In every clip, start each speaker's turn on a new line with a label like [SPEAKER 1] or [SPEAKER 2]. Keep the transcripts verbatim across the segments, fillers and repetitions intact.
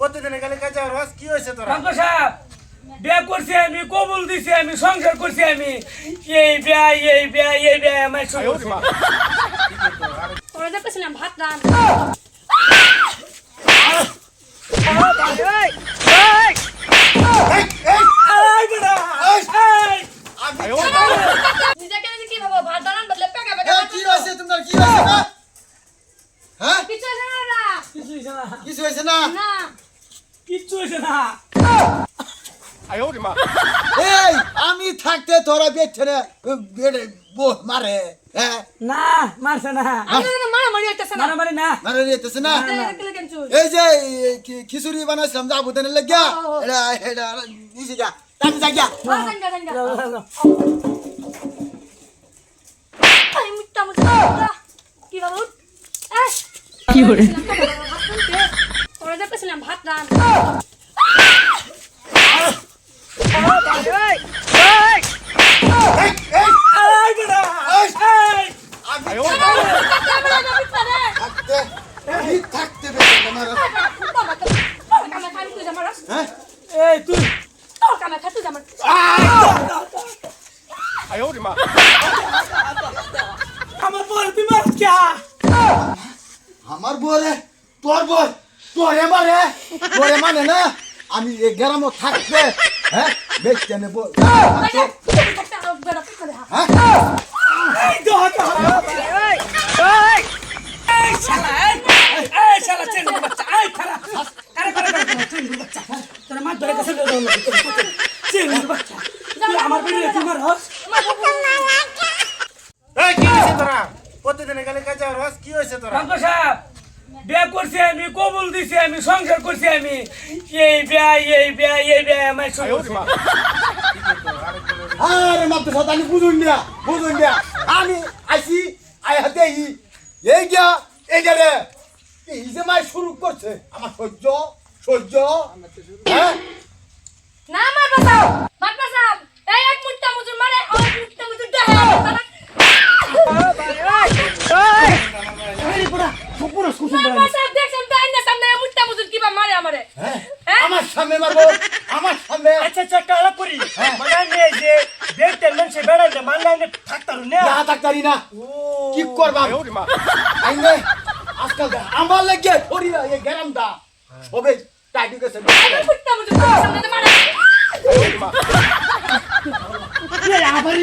[SPEAKER 1] প্রতিদিনে খালি কাজে রস কি হয়েছে তোরা?
[SPEAKER 2] ডাক্তার সাহেব বিয়ে করছি আমি, কবুল দিছি আমি, সংসার করছি আমি, এই বিয়া এই বিয়া এই বিয়া আমার শুরু হয়েছে।
[SPEAKER 3] ওরা দেখতেছিলাম ভাত রান নিজেকে নিজে কি ভাবো ভাত রান বদলে পেকা পেকা
[SPEAKER 4] কি হয়েছে তোমার? কি হয়েছে না? হ্যাঁ
[SPEAKER 3] কিছু আছে না
[SPEAKER 2] কিছু হয়েছে না,
[SPEAKER 4] কিছু হয়েছে না?
[SPEAKER 3] না
[SPEAKER 2] কিচ্ছু হয়েছে না।
[SPEAKER 4] এই আমি থাকতে তোরা বেছে না বেড়ে মারে হ্যাঁ
[SPEAKER 2] না মারছে না,
[SPEAKER 3] আমি না মারা মারি হইতাছে না
[SPEAKER 2] মারামারি না।
[SPEAKER 4] মারে নিতেছে না?
[SPEAKER 3] দেখলে কেন চুল
[SPEAKER 4] এই যে কি- খিচুড়ি বানাইছিলাম যাবো দেনে লাগিয়া এটা এটা নিচে যা তাক যা গিয়া
[SPEAKER 3] জাঙ্গা জাঙ্গা আই মুত্তা মুত্তা কি বাবু কি হরে ওরা দেখতেছিলাম ভাত রান
[SPEAKER 4] থাকতে আমি থাকতে বেছে না মারা হ্যাঁ
[SPEAKER 2] এই তুই আমার বল তুই মারছ কে?
[SPEAKER 4] আমার বরে তোর বর তোরে মারে তোরে মানে না আমি এই গ্রামে থাকতে হ্যাঁ বেচতে নেব হ্যাঁ
[SPEAKER 2] এই দো দো এই এই এই শালা এই এই শালা চেঙ্গুর বাচ্চা এই খারা আরে করে করে চেঙ্গুর বাচ্চা তোর মা ধরে কাছে দাও চেঙ্গুর বাচ্চা তুই আমার বেরিয়ে তুই মার হস
[SPEAKER 1] এই কি হয়েছে তোরা? প্রতিদিনে খালি কাজে রস কি হয়েছে তোরা?
[SPEAKER 2] ডাক্তার সাহেব বিয়ে করছি আমি, কবুল দিছি আমি, সংসার করছি আমি, এই বিয়া এই বিয়া এই বিয়া আমার শুরু হয়েছে।
[SPEAKER 4] আরে মাত্র শতানি বুঝুন না বুঝুন না আমি আইছি আই হাতে এই গিয়া এই যে রে এই যে মাই শুরু করছে আমার সহ্য সহ্য হ্যাঁ
[SPEAKER 3] না মার বাসাও মার বাসাও এই এক মুত্তা মুজুর মারে আর মুত্তা মুজুর দেহে
[SPEAKER 2] এই পুরা পুরো কুসুম
[SPEAKER 3] মার বাসাও দেখছেন তো আইনা সামনে মুত্তা মুজুর কিবা মারে আমারে
[SPEAKER 4] হ্যাঁ
[SPEAKER 3] হ্যাঁ?
[SPEAKER 4] আমার সামনে মারবো আমার সামনে
[SPEAKER 2] আচ্ছা আচ্ছা কালা করি
[SPEAKER 4] হ্যাঁ।
[SPEAKER 2] মানে নিয়ে যে দেখতে মানুষে বেড়াইলে মানলে থাকতার না
[SPEAKER 4] না থাকতারি না কি করবা আইনে আজকাল দে- আমার লাগে ধরি না এই গ্রামটা সবে টাইটু গেছে
[SPEAKER 3] এই মুত্তা মুজুর তোমার সামনে তো মারে
[SPEAKER 2] এই আবারই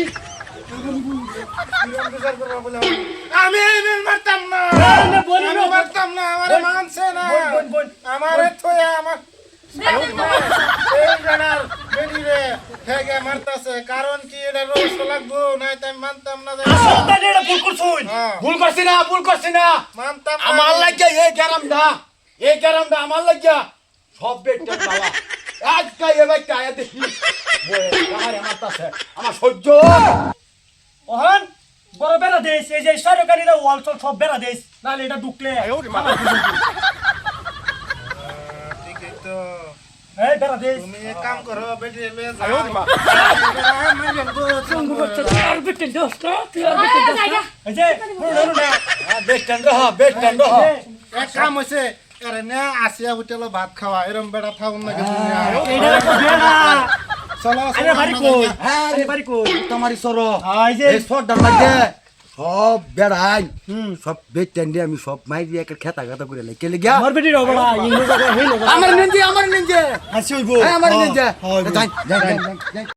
[SPEAKER 1] বিচার করবো বলে আমি এই মেল মারতাম না,
[SPEAKER 2] না, বলি
[SPEAKER 1] আমি
[SPEAKER 2] না।
[SPEAKER 1] মারতাম না, আমার
[SPEAKER 2] বোন,
[SPEAKER 1] মানছে না,
[SPEAKER 2] বোন, বোন,
[SPEAKER 1] আমার থয়া আমার এই জানার বেরি রে হেগে মারতাছে, কারণ কি এটা রোজ লাগবো নাই তাই মানতাম না যে
[SPEAKER 2] আসলটা এটা ভুল করছুন
[SPEAKER 1] হ্যাঁ,
[SPEAKER 4] ভুল করছি না ভুল করছি না
[SPEAKER 1] মানতাম না
[SPEAKER 4] আমার
[SPEAKER 1] আমি।
[SPEAKER 4] লাগে এই গ্রামটা এই গ্রামটা আমার লাগে সব বেটে বাবা আজকে এ বেটা আয়া দেখি বয়ে আমার মারতাছে আমার সহ্য
[SPEAKER 2] ওহন বড় বেড়া দেশ এই যে সরকারিরা ওয়াল চল সব বেড়া দেশ নাহলে এটা ঢুকলে
[SPEAKER 1] ঠিকই তো,
[SPEAKER 2] এই বেড়া দেশ
[SPEAKER 1] তুমি এক কাম করো বেটি লয়ে যাও
[SPEAKER 2] আর বিটে দোস না তুই আর বিটে দোস না এই যে পুরো না
[SPEAKER 4] বেটন রহ বেটন রহ
[SPEAKER 1] এক কাম হইছে আরে না আসিয়া হোটেলে ভাত খাওয়া এরম বেড়া থাকুন না কিছু
[SPEAKER 2] এইটা তো বেড়া
[SPEAKER 1] চলো
[SPEAKER 2] আরে বাড়ি কই
[SPEAKER 4] হ্যাঁ
[SPEAKER 2] আরে বাড়ি কই
[SPEAKER 4] তোমারই সর
[SPEAKER 2] এই যে
[SPEAKER 4] এই সরদার লাগে সব বেড়াই সব বেটেন দিয়ে আমি সব মাই দিয়ে একটা খেতা খেতা করে লাই কেলে গিয়া
[SPEAKER 2] আমার বেটি রবড়া ইংরেজি জায়গা হেই
[SPEAKER 4] আমার নিন্দে আমার নিন্দে
[SPEAKER 2] হাসি হইবো
[SPEAKER 4] হ্যাঁ আমার নিন্দে
[SPEAKER 2] হ্যাঁ, হইবো।
[SPEAKER 4] যাই যাই যাই